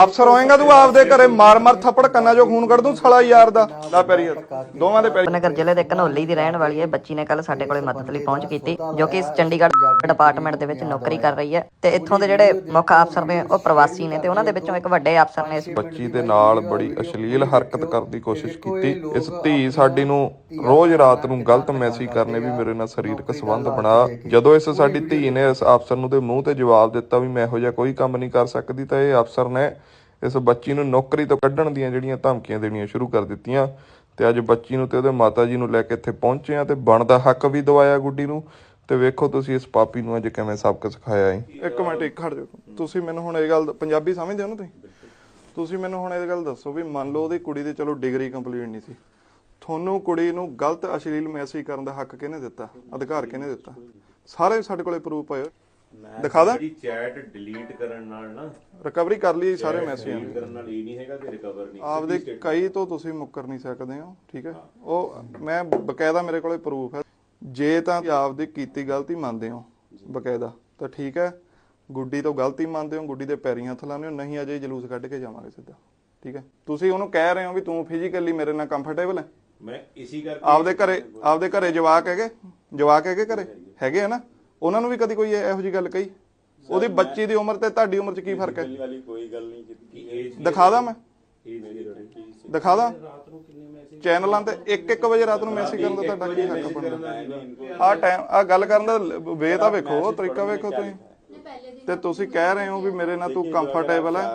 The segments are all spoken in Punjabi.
ਅਫਸਰ ਹੋਏਗਾ ਤੂੰ ਆਪਦੇ ਘਰੇ ਮਾਰ ਥੱਪੜ ਕੰਨਾਂ ਚੋਂ ਖੂਨ ਕੱਢ ਦੂੰ ਸਾਲਾ ਯਾਰ ਦਾ ਲਾ ਪੈਰੀ ਦੋਵਾਂ ਦੇ ਪੈਰੀ। ਨਗਰ ਜ਼ਿਲ੍ਹੇ ਦੇ ਘਨੌਲੀ ਦੀ ਰਹਿਣ ਵਾਲੀ ਹੈ ਬੱਚੀ ਨੇ ਕੱਲ ਸਾਡੇ ਕੋਲੇ ਮਦਦ ਲਈ ਪਹੁੰਚ ਕੀਤੀ, ਜੋ ਕਿ ਚੰਡੀਗੜ੍ਹ ਡਿਪਾਰਟਮੈਂਟ ਦੇ ਵਿੱਚ ਨੌਕਰੀ ਕਰ ਰਹੀ ਹੈ ਤੇ ਇੱਥੋਂ ਦੇ ਜਿਹੜੇ ਮੁੱਖ ਅਫਸਰ ਨੇ ਉਹ ਪ੍ਰਵਾਸੀ ਨੇ ਤੇ ਉਹਨਾਂ ਦੇ ਵਿੱਚੋਂ ਇੱਕ ਵੱਡੇ ਅਫਸਰ ਨੇ ਇਸ ਬੱਚੀ ਦੇ ਨਾਲ ਬੜੀ ਅਸ਼ਲੀਲ ਹਰਕਤ ਕਰਨ ਦੀ ਕੋਸ਼ਿਸ਼ ਕੀਤੀ। ਇਸ ਧੀ ਸਾਡੀ ਨੂੰ ਰੋਜ਼ ਰਾਤ ਨੂੰ ਗਲਤ ਮੈਸੇਜ ਕਰਨੇ ਵੀ ਮੇਰੇ ਨਾਲ ਸਰੀਰਕ ਸੰਬੰਧ ਬਣਾ। ਜਦੋਂ ਇਸ ਸਾਡੀ ਧੀ ਨੇ ਇਸ ਅਫਸਰ ਨੂੰ ਦੇ ਮੂੰਹ ਤੇ ਜਵਾਬ ਦਿੱਤਾ ਵੀ ਮੈਂ ਇਹੋ ਜਿਹਾ ਕੋਈ ਕੰਮ ਨਹੀਂ ਕਰ ਸਕਦੀ, ਤਾਂ ਇਹ ਅਫਸਰ ਨੇ ਇਸ ਬੱਚੀ ਨੂੰ ਨੌਕਰੀ ਤੋਂ ਕੱਢਣ ਦੀਆਂ ਜਿਹੜੀਆਂ ਧਮਕੀਆਂ ਦੇਣੀਆਂ ਸ਼ੁਰੂ ਕਰ ਦਿੱਤੀਆਂ। ਤੇ ਅੱਜ ਬੱਚੀ ਨੂੰ ਤੇ ਉਹਦੇ ਮਾਤਾ ਜੀ ਨੂੰ ਲੈ ਕੇ ਇੱਥੇ ਪਹੁੰਚੇ ਆ ਤੇ ਬਣਦਾ ਹੱਕ ਵੀ ਦਵਾਇਆ ਗੁੱਡੀ ਨੂੰ। ਤੇ ਵੇਖੋ ਤੁਸੀਂ ਇਸ ਪਾਪੀ ਨੂੰ ਅੱਜ ਕਿਵੇਂ ਸਬਕ ਸਿਖਾਇਆ ਹੈ। ਇੱਕ ਮਿੰਟ ਇੱਕ ਖੜ ਜਾਓ, ਤੁਸੀਂ ਮੈਨੂੰ ਹੁਣ ਇਹ ਗੱਲ ਪੰਜਾਬੀ ਸਮਝਦੇ ਹੋ ਨਾ ਤੁਸੀਂ ਮੈਨੂੰ ਹੁਣ ਇਹ ਗੱਲ ਦੱਸੋ ਵੀ ਮੰਨ ਲਓ ਉਹਦੀ ਕੁੜੀ ਦੀ ਚਲੋ ਡਿਗਰੀ ਕੰਪਲੀਟ ਨਹੀਂ ਸੀ, ਤੁਹਾਨੂੰ ਕੁੜੀ ਨੂੰ ਗਲਤ ਅਸ਼ਲੀਲ ਮੈਸੇਜ ਕਰਨ ਦਾ ਹੱਕ ਕਿਹਨੇ ਦਿੱਤਾ, ਅਧਿਕਾਰ ਕਿਹਨੇ ਦਿੱਤਾ? ਸਾਰੇ ਸਾਡੇ ਕੋਲੇ ਪ੍ਰੂਫ ਪਏ, ਦਿਖਾ ਦਾਂ। ਚੈਟ ਡਿਲੀਟ ਕਰਨ ਨਾਲ ਨਾ ਰਿਕਵਰੀ ਕਰ ਲਈ ਸਾਰੇ ਮੈਸੇਜ ਕਰਨ ਨਾਲ ਇਹ ਨਹੀਂ ਹੈਗਾ ਕਿ ਰਿਕਵਰ ਨਹੀਂ ਆਪਦੇ ਕਈ ਤੋਂ ਤੁਸੀਂ ਮੁੱਕਰ ਨਹੀਂ ਸਕਦੇ ਹੋ, ਠੀਕ ਹੈ। ਉਹ ਮੈਂ ਬਕਾਇਦਾ ਮੇਰੇ ਕੋਲੇ ਪ੍ਰੂਫ ਹੈ। ਜੇ ਤਾਂ ਆਪਦੀ ਕੀਤੀ ਗਲਤੀ ਮੰਨਦੇ ਹੋ ਬਕਾਇਦਾ ਤਾਂ ਠੀਕ ਹੈ, ਗੁੱਡੀ ਤੋਂ ਗਲਤੀ ਮੰਨਦੇ ਹੋ, ਗੁੱਡੀ ਦੇ ਪੈਰੀਂ ਹੱਥ ਲਾਉਂਦੇ ਹੋ, ਨਹੀਂ ਅਜੇ ਜਲੂਸ ਕੱਢ ਕੇ ਜਾਵਾਂਗੇ ਸਿੱਧਾ, ਠੀਕ ਹੈ। ਤੁਸੀਂ ਉਹਨੂੰ ਕਹਿ ਰਹੇ ਹੋ ਵੀ ਤੂੰ ਫਿਜ਼ੀਕਲੀ ਮੇਰੇ ਨਾਲ ਕੰਫਰਟੇਬਲ ਹੈ। ਮੈਂ ਇਸੇ ਕਰਕੇ ਆਪਦੇ ਘਰੇ ਜਵਾਕ ਹੈਗੇ ਘਰੇ ਹੈਗੇ ਆ ਨਾ, ਉਹਨਾਂ ਨੂੰ ਵੀ ਕਦੀ ਕੋਈ ਇਹੋ ਜਿਹੀ ਗੱਲ ਕਹੀ? ਉਹਦੀ ਬੱਚੀ ਦੀ ਉਮਰ ਤੇ ਤੁਹਾਡੀ ਉਮਰ 'ਚ ਕੀ ਫਰਕ ਹੈ? ਕੋਈ ਗੱਲ ਨਹੀਂ ਕੀਤੀ। ਦਿਖਾ ਦਾਂ ਮੈਂ, ਦਿਖਾ ਦਾਂ ਚੈਨਲਾਂ ਤੇ 1-1 ਵਜੇ ਰਾਤ ਨੂੰ ਮੈਸੇਜ ਕਰਨ ਦਾ ਤੁਹਾਡਾ ਕੀ ਹੱਕ ਬਣਦਾ? ਆਹ ਟਾਈਮ ਆਹ ਗੱਲ ਕਰਨ ਦਾ ਵੇ ਤਾਂ ਵੇਖੋ, ਤਰੀਕਾ ਵੇਖੋ ਤੁਸੀਂ। ਤੇ ਤੁਸੀਂ ਕਹਿ ਰਹੇ ਹੋ ਵੀ ਮੇਰੇ ਨਾਲ ਤੂੰ ਕੰਫਰਟੇਬਲ ਹੈ।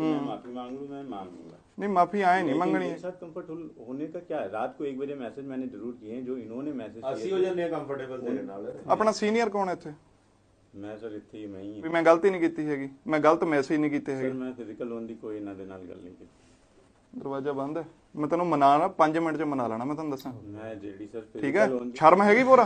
नहीं माफी आए नहीं मंगनी है। साथ कंफर्टेबल होने का क्या है? रात को 1 बजे मैसेज मैंने जरूर किए हैं, जो इन्होंने मैसेज ਅਸੀਂ ਹੋ ਜਾਂਦੇ ਆ ਕੰਫਰਟੇਬਲ ਤੇਰੇ ਨਾਲ। अपना सीनियर कौन है ਇੱਥੇ? मैं सर ਇੱਥੇ ਹੀ ਮੈਂ ਹੀ ਵੀ ਮੈਂ ਗਲਤੀ ਨਹੀਂ ਕੀਤੀ ਹੈਗੀ, ਮੈਂ ਗਲਤ ਮੈਸੇਜ ਨਹੀਂ ਕੀਤੇ ਸਰ ਹੈਗੇ। ਮੈਂ ਫਿਜ਼ੀਕਲ ਲੋਨ ਦੀ ਕੋਈ ਇਹਨਾਂ ਦੇ ਨਾਲ ਗੱਲ ਨਹੀਂ ਕੀਤੀ। ਦਰਵਾਜ਼ਾ ਬੰਦ ਹੈ, ਮੈਂ ਤੈਨੂੰ ਮਨਾਣਾ 5 ਮਿੰਟ 'ਚ ਮਨਾ ਲੈਣਾ, ਮੈਂ ਤੁਹਾਨੂੰ ਦੱਸਾਂ, ਮੈਂ ਜਿਹੜੀ ਸਰ ਠੀਕ ਹੈ। ਫਿਜ਼ੀਕਲ ਲੋਨ ਸ਼ਰਮ ਹੈਗੀ ਪੂਰਾ?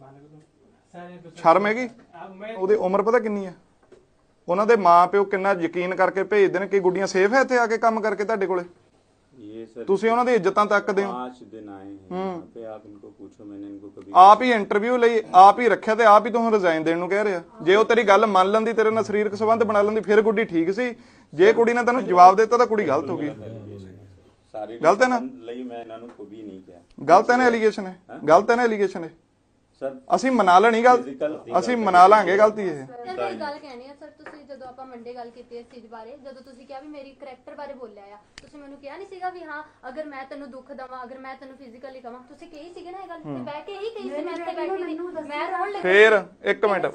ਸ਼ਰਮ ਹੈਗੀ? ਉਹਦੀ ਉਮਰ ਪਤਾ ਕਿੰਨੀ ਹੈ? ਉਹਨਾਂ ਦੇ ਮਾਂ ਪਿਓ ਕਿੰਨਾ ਯਕੀਨ ਕਰਕੇ ਭੇਜਦੇ ਨੇ ਕਿ ਗੁੱਡੀਆਂ ਸੇਫ ਹੈ ਇੱਥੇ ਆ ਕੇ ਕੰਮ ਕਰਕੇ ਤੁਹਾਡੇ ਕੋਲੇ। ये सर ਤੁਸੀਂ ਉਹਨਾਂ ਦੀ ਇੱਜ਼ਤਾਂ ਤੱਕਦੇ ਹੋ। 5 दिन आए हैं यहाँ पे, आप इनको पूछो, मैंने इनको कभी ਆਪ ਹੀ ਇੰਟਰਵਿਊ ਲਈ ਆਪ ਹੀ ਰੱਖਿਆ ਤੇ ਆਪ ਹੀ ਤੁਹਾਨੂੰ ਰਿਜ਼ਾਈਨ ਦੇਣ ਨੂੰ ਕਹਿ ਰਿਹਾ। ਜੇ ਉਹ ਤੇਰੀ ਗੱਲ ਮੰਨ ਲੈਂਦੀ, ਤੇਰੇ ਨਾਲ ਸਰੀਰਕ ਸੰਬੰਧ ਬਣਾ ਲੈਂਦੀ, ਫਿਰ ਗੁੱਡੀ ਠੀਕ ਸੀ। ਜੇ ਕੁੜੀ ਨੇ ਤੈਨੂੰ ਜਵਾਬ ਦਿੱਤਾ ਤਾਂ ਕੁੜੀ ਗਲਤ ਹੋ ਗਈ। सारे गलत है ना? ਲਈ ਮੈਂ ਇਹਨਾਂ ਨੂੰ ਕੋਈ ਨਹੀਂ ਕਿਹਾ। ਗਲਤ ਹੈ ਨਾ ਐਲੀਗੇਸ਼ਨ ਹੈ? ਗਲਤ ਹੈ ਨਾ ਐਲੀਗੇਸ਼ਨ ਹੈ? ਸਰ ਅਸੀਂ ਮਨਾ ਲੈਣੀ ਗੱਲ, ਅਸੀਂ ਮਨਾ ਲਾਂਗੇ ਗਲਤੀ ਇਹ। ਸਰ ਮੈਂ ਗੱਲ ਕਹਿਣੀ ਆ ਸਰ, ਤੁਸੀਂ ਜਦੋਂ ਆਪਾਂ ਮੰਡੇ ਗੱਲ ਕੀਤੀ ਇਸ ਚੀਜ਼ ਬਾਰੇ, ਜਦੋਂ ਤੁਸੀਂ ਕਿਹਾ ਵੀ ਮੇਰੀ ਕਰੈਕਟਰ ਬਾਰੇ ਬੋਲਿਆ ਆ, ਤੁਸੀਂ ਮੈਨੂੰ ਕਿਹਾ ਨਹੀਂ ਸੀਗਾ ਵੀ ਹਾਂ ਅਗਰ ਮੈਂ ਤੈਨੂੰ ਦੁੱਖ ਦਵਾਂ, ਅਗਰ ਮੈਂ ਤੈਨੂੰ ਫਿਜ਼ੀਕਲੀ ਕਵਾਂ, ਤੁਸੀਂ ਕਹੀ ਸੀਗੇ ਨਾ ਇਹ ਗੱਲ ਤੇ ਬਹਿ ਕੇ ਹੀ ਕਹੀ ਸੀ। ਮੈਂ ਇੱਥੇ ਬੈਠੀ ਸੀ, ਮੈਂ ਰੋਣ ਲੱਗੀ। ਫੇਰ ਇੱਕ ਮਿੰਟ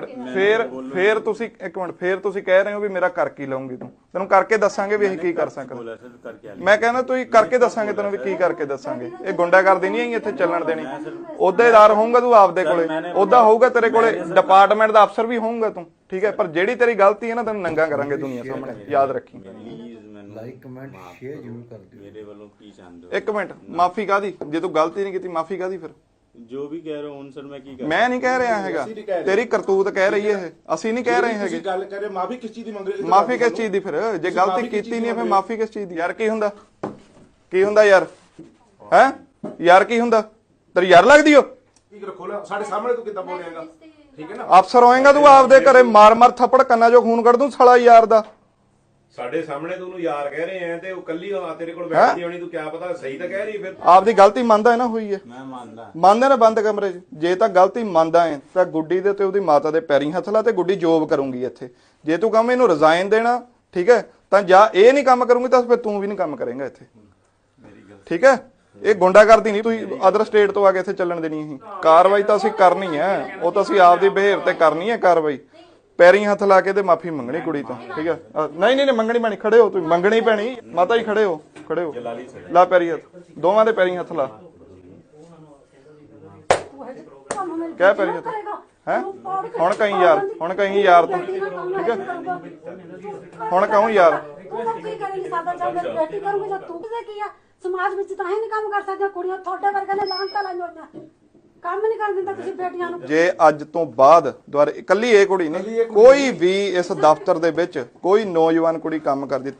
ਫੇਰ ਤੁਸੀਂ ਇੱਕ ਮਿੰਟ ਫੇਰ ਤੁਸੀਂ ਕਹਿ ਰਹੇ ਹੋ ਵੀ ਮੇਰਾ ਕਰ ਕੀ ਲਾਉਂਗੀ ਤੂੰ? ਤੈਨੂੰ ਕਰਕੇ ਦੱਸਾਂਗੇ ਵੀ ਅਸੀਂ ਕੀ ਕਰ ਸਕਦੇ। ਬੋਲਿਆ ਸਰ ਕਰਕੇ ਮੈਂ ਕਹਿੰਦਾ ਤੁਸੀਂ ਕਰਕੇ ਦੱਸਾਂਗੇ ਤੈਨੂੰ ਵੀ ਕੀ ਕਰਕੇ ਦੱਸਾਂਗੇ। ਇਹ ਗੁੰਡਾਗਰਦੀ ਨਹੀਂ ਆਈ ਇੱਥੇ ਚੱਲਣ ਦੇਣੀ। ਅਹੁਦੇਦਾਰ ਹੋਊਗਾ ਤੂੰ ਆਪਦੇ ਕੋਲੇ, ਉਹਦਾ ਹੋਊਗਾ ਤੇਰੇ ਕੋਲੇ, ਡਿਪਾਰਟਮੈਂਟ ਦਾ ਅਫਸਰ ਵੀ ਹੋਊਗਾ ਤੂੰ, ਠੀਕ ਹੈ। ਪਰ ਜਿਹੜੀ ਤੇਰੀ ਗਲਤੀ ਹੈ ਨਾ, ਤੈਨੂੰ ਨੰਗਾ ਕਰਾਂਗੇ ਦੁਨੀਆ ਸਾਹਮਣੇ, ਯਾਦ ਰੱਖੀ। ਲਾਈਕ ਕਮੈਂਟ ਸ਼ੇਅਰ ਜ਼ਰੂਰ ਕਰ ਦਿਓ। ਮੇਰੇ ਵੱਲੋਂ ਕੀ ਚਾਹੁੰਦੇ ਹੋ? ਇੱਕ ਮਿੰਟ, ਮਾਫੀ ਕਾਦੀ? ਜੇ ਤੂੰ ਗਲਤੀ ਨਹੀਂ ਕੀਤੀ ਮਾਫੀ ਕਾਦੀ ਫਿਰ? ਜੋ ਵੀ ਕਹਿ ਰਹੇ ਹੋ ਹੁਣ ਸਰ ਮੈਂ ਕੀ ਕਰਾਂ? ਮੈਂ ਨਹੀਂ ਕਹਿ ਰਿਹਾ ਹੈਗਾ, ਤੇਰੀ ਕਰਤੂਤ ਕਹਿ ਰਹੀ ਹੈ ਇਹ, ਅਸੀਂ ਨਹੀਂ ਕਹਿ ਰਹੇ ਹੈਗੇ। ਗੱਲ ਕਰੇ ਮਾਫੀ ਕਿਸ ਚੀਜ਼ ਦੀ ਮੰਗ ਰਹੇ? ਮਾਫੀ ਕਿਸ ਚੀਜ਼ ਦੀ? ਫਿਰ ਜੇ ਗਲਤੀ ਕੀਤੀ ਨਹੀਂ ਫਿਰ ਮਾਫੀ ਕਿਸ ਚੀਜ਼ ਦੀ? ਯਾਰ ਕੀ ਹੁੰਦਾ? ਕੀ ਹੁੰਦਾ ਯਾਰ? ਹੈ ਯਾਰ ਕੀ ਹੁੰਦਾ? ਤੇਰੀ ਯਾਰ ਲੱਗਦੀ ਹੋ? ਕੀ ਰੱਖੋ ਨਾ ਸਾਡੇ ਸਾਹਮਣੇ ਤੂੰ ਕਿੱਦਾਂ ਬੋਲੇਗਾ, ਠੀਕ ਹੈ ਨਾ। ਅਫਸਰ ਹੋਏਗਾ ਤੂੰ ਆਪਦੇ ਘਰੇ ਮਾਰ ਥੱਪੜ ਕੰਨਾਂ ਚੋਂ ਖੂਨ ਕੱਢ ਦੂੰ ਸਾਲਾ ਯਾਰ ਦਾ। ਸਾਡੇ ਸਾਹਮਣੇ ਤੂੰ ਉਹਨੂੰ ਯਾਰ ਕਹਿ ਰਹੇ ਆ ਤੇ ਉਹ ਕੱਲੀ ਤੇਰੇ ਕੋਲ ਬੈਠਦੀ ਹੋਣੀ, ਤੂੰ ਕਿਆ ਪਤਾ ਸਹੀ ਤਾਂ ਕਹਿ ਰਹੀ ਫਿਰ। ਆਪਦੀ ਗਲਤੀ ਮੰਨਦਾ ਹੈ ਨਾ, ਹੋਈ ਹੈ ਮੈਂ ਮੰਨਦਾ ਨਾ ਬੰਦ ਕਮਰੇ 'ਚ। ਜੇ ਤਾਂ ਗਲਤੀ ਮੰਨਦਾ ਹੈ ਤਾਂ ਗੁੱਡੀ ਦੇ ਤੇ ਉਹਦੀ ਮਾਤਾ ਦੇ ਪੈਰੀਂ ਹੱਥ ਲਾ ਤੇ ਗੁੱਡੀ ਜੋਬ ਕਰੂੰਗੀ ਇੱਥੇ। ਜੇ ਤੂੰ ਕਹਵੇਂ ਇਹਨੂੰ ਰਿਜ਼ਾਈਨ ਦੇਣਾ, ਠੀਕ ਹੈ, ਤਾਂ ਜਾਂ ਇਹ ਨਹੀਂ ਕੰਮ ਕਰੂੰਗੀ ਤਾਂ ਫਿਰ ਤੂੰ ਵੀ ਨਹੀਂ ਕੰਮ ਕਰੇਂਗਾ ਇੱਥੇ, ਠੀਕ ਹੈ। ਇਹ ਗੁੰਡਾਗਰਦੀ ਨਹੀਂ ਤੁਸੀਂ ਅਦਰ ਸਟੇਟ ਤੋਂ ਆ ਕੇ ਇੱਥੇ ਚੱਲਣ ਦੇਣੀ। ਅਸੀਂ ਕਾਰਵਾਈ ਤਾਂ ਅਸੀਂ ਕਰਨੀ ਹੈ, ਉਹ ਤਾਂ ਅਸੀਂ ਆਪਦੀ ਬਿਹੇਵ ਤੇ ਕਰਨੀ ਹੈ ਕਾਰਵਾਈ। ਪੈਰੀਂ ਹੱਥ ਲਾ ਕੇ ਤੇ ਮਾਫੀ ਮੰਗਣੀ ਕੁੜੀ ਤੋਂ, ਠੀਕ ਹੈ। ਨਹੀਂ ਮੰਗਣੀ ਪੈਣੀ, ਖੜੇ ਹੋ ਤੁਸੀਂ, ਮੰਗਣੀ ਪੈਣੀ ਮਾਤਾ ਜੀ, ਖੜੇ ਹੋ ਲਾ ਪੈਰੀ ਹੱਥ, ਦੋਵਾਂ ਦੇ ਪੈਰੀਂ ਹੱਥ ਲਾ। ਕਹਿ ਪੈਰੀ ਹੱਥ ਹੈ। ਹੁਣ ਕਹੀਂ ਯਾਰ ਤੂੰ, ਠੀਕ ਹੈ। ਹੁਣ ਕਹੂੰ ਯਾਰ ਸਮਾਜ ਵਿੱਚ ਤਾਂ ਹੀ ਨਹੀਂ ਕੰਮ ਕਰ ਸਕਦੀਆਂ ਕੁੜੀਆਂ, ਤੁਹਾਡੇ ਵਰਗੇ ਨੇ ਲਾਂਟਾ ਲਾਈਆਂ ਹੋਈਆਂ, ਕੰਮ ਨਹੀਂ ਕਰ ਦਿੰਦਾ ਤੁਸੀਂ ਬੇਟੀਆਂ ਨੂੰ। ਜੇ ਅੱਜ ਤੋਂ ਬਾਅਦ ਦੁਆਰਾ ਇਕੱਲੀ ਇਹ ਕੁੜੀ ਨਹੀਂ, ਕੋਈ ਵੀ ਇਸ ਦਫ਼ਤਰ ਦੇ ਵਿੱਚ ਕੋਈ ਨੌਜਵਾਨ ਕੁੜੀ ਕੰਮ ਕਰਦੀ